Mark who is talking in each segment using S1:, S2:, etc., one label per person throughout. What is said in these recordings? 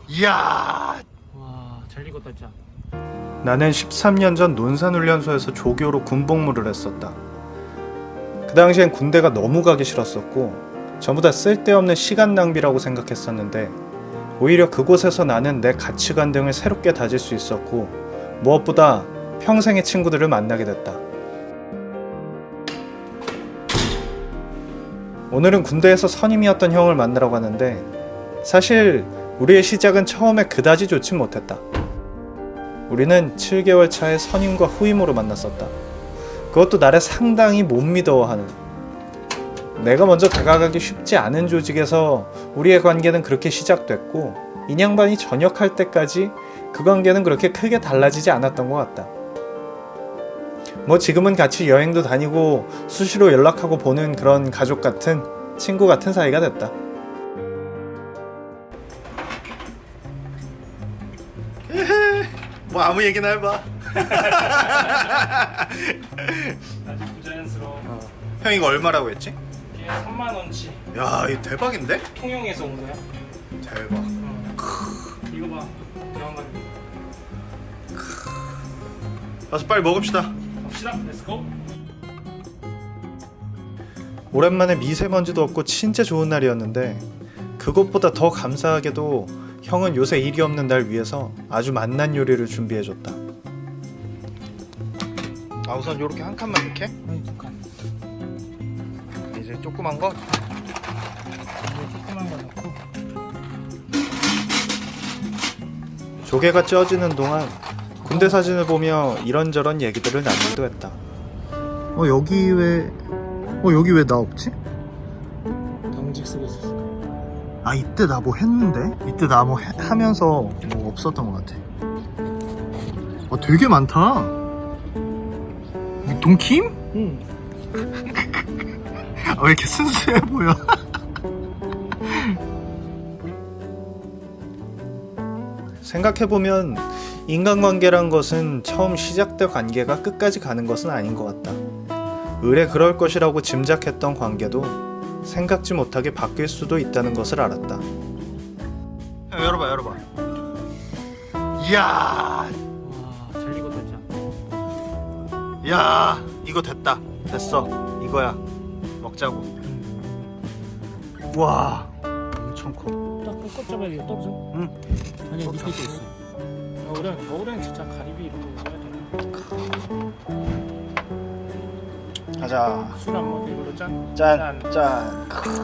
S1: 이야.
S2: 와, 잘 익었다 진짜.
S3: 나는 13년 전 논산훈련소에서 조교로 군복무를 했었다. 그 당시엔 군대가 너무 가기 싫었었고 전부 다 쓸데없는 시간 낭비라고 생각했었는데 오히려 그곳에서 나는 내 가치관 등을 새롭게 다질 수 있었고 무엇보다 평생의 친구들을 만나게 됐다. 오늘은 군대에서 선임이었던 형을 만나러 가는데 사실 우리의 시작은 처음에 그다지 좋진 못했다. 우리는 7개월 차에 선임과 후임으로 만났었다. 그것도 나를 상당히 못 믿어하는, 내가 먼저 다가가기 쉽지 않은 조직에서 우리의 관계는 그렇게 시작됐고 인양반이 전역할 때까지 그 관계는 그렇게 크게 달라지지 않았던 것 같다. 뭐 지금은 같이 여행도 다니고 수시로 연락하고 보는 그런 가족 같은, 친구 같은 사이가 됐다.
S1: 뭐 아무 얘기나 해봐.
S2: 아주 부자연스러워.
S1: 형 이거 얼마라고 했지?
S2: 이게 3만 원치.
S1: 야 이거 대박인데?
S2: 통영에서 온 거야.
S1: 대박.
S2: 이거 봐. 대왕가리.
S1: 가서 빨리 먹읍시다.
S2: 갑시다. 렛츠고.
S3: 오랜만에 미세먼지도 없고 진짜 좋은 날이었는데 그것보다 더 감사하게도 형은 요새 일이 없는 날 위해서 아주 맛난 요리를 준비해줬다.
S1: 아 우선 요렇게 한 칸만 이렇게.
S2: 아니, 두 칸.
S1: 이제 조그만 거.
S2: 이제 조그만 거 넣고.
S3: 조개가 쪄지는 동안 군대 사진을 보며 이런저런 얘기들을 나누기도 했다. 여기 왜 나 없지?
S2: 당직 쓰고 있었어.
S3: 아 이때 나 뭐 했는데? 이때 나 뭐 하면서 뭐 없었던 것 같아. 되게 많다. 동킴?
S2: 응.
S3: 왜 이렇게 순수해 보여? 생각해보면 인간관계란 것은 처음 시작된 관계가 끝까지 가는 것은 아닌 것 같다. 의뢰 그럴 것이라고 짐작했던 관계도 생각지 못하게 바뀔 수도 있다는 것을 알았다.
S1: 형 열어봐. 이야.
S2: 와, 잘 익었다 진짜.
S1: 야 이거 됐어. 이거야. 먹자고. 와 엄청 커.
S2: 딱 꺾어 잡아야 돼. 떨어져.
S1: 응.
S2: 아니 밑에도 있어. 겨울엔 진짜 가리비 이렇게 먹어야 돼.
S1: 가자.
S2: 술 한 번 이걸로 짠.
S1: 짠.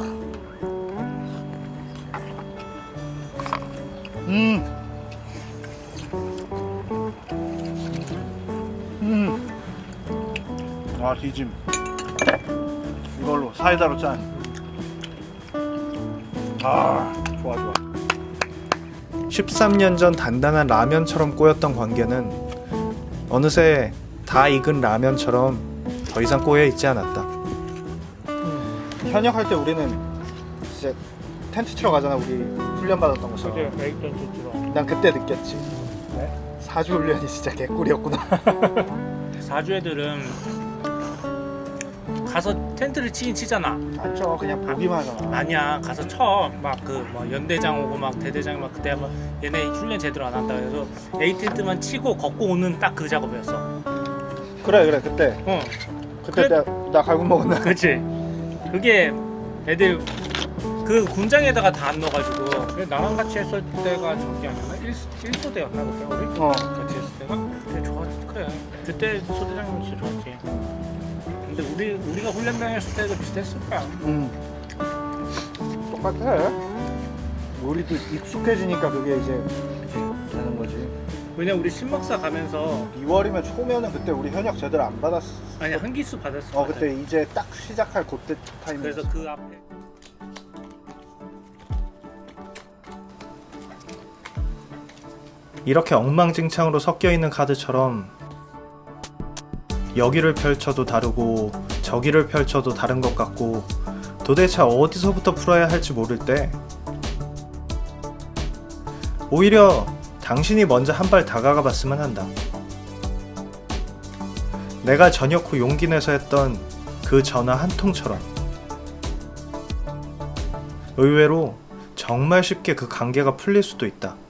S1: 아 뒤짐. 이걸로 사이다로 짠. 아 좋아.
S3: 13년 전 단단한 라면처럼 꼬였던 관계는 어느새 다 익은 라면처럼 더 이상 꼬여 있지 않았다.
S1: 현역할 때 우리는 이제 텐트 치러 가잖아. 우리 훈련 받았던 곳처럼.
S2: 그게 메이크업 좋더라.
S1: 난 그때 느꼈지. 사주 훈련이 진짜 개꿀이었구나.
S2: 사주 애들은 가서 텐트를 치긴 치잖아.
S1: 안 쳐. 그냥 보기만 하잖아.
S2: 아니야, 가서 쳐. 막 뭐 연대장 오고 막 대대장 막 그때 막 얘네 훈련 제대로 안 한다 그래서 A 텐트만 치고 걷고 오는 딱 그 작업이었어.
S1: 그래 그때.
S2: 그래?
S1: 나 갈굼 먹었나?
S2: 그렇지. 그게 애들 그 군장에다가 다 안 넣어가지고. 그래, 나랑 같이 했을 때가 저기 아니었나? 1소대였나 그때 우리? 같이 했을 때가? 그래 좋았지. 그래. 그때 소대장님 진짜 좋았지. 근데 우리가 훈련 다녔을 때도 비슷했을 거야.
S1: 똑같아. 우리도 익숙해지니까 그게 이제 되는 거지.
S2: 왜냐 우리 신박사 가면서
S1: 2월이면 초면은 그때 우리 현역 제대로 안 받았어.
S2: 아니 한기수 받았어.
S1: 그때 이제 딱 시작할 그때 타이밍.
S2: 그래서 그 앞에
S3: 이렇게 엉망진창으로 섞여 있는 카드처럼 여기를 펼쳐도 다르고 저기를 펼쳐도 다른 것 같고 도대체 어디서부터 풀어야 할지 모를 때 오히려 당신이 먼저 한 발 다가가 봤으면 한다. 내가 전역 후 용기 내서 했던 그 전화 한 통처럼 의외로 정말 쉽게 그 관계가 풀릴 수도 있다.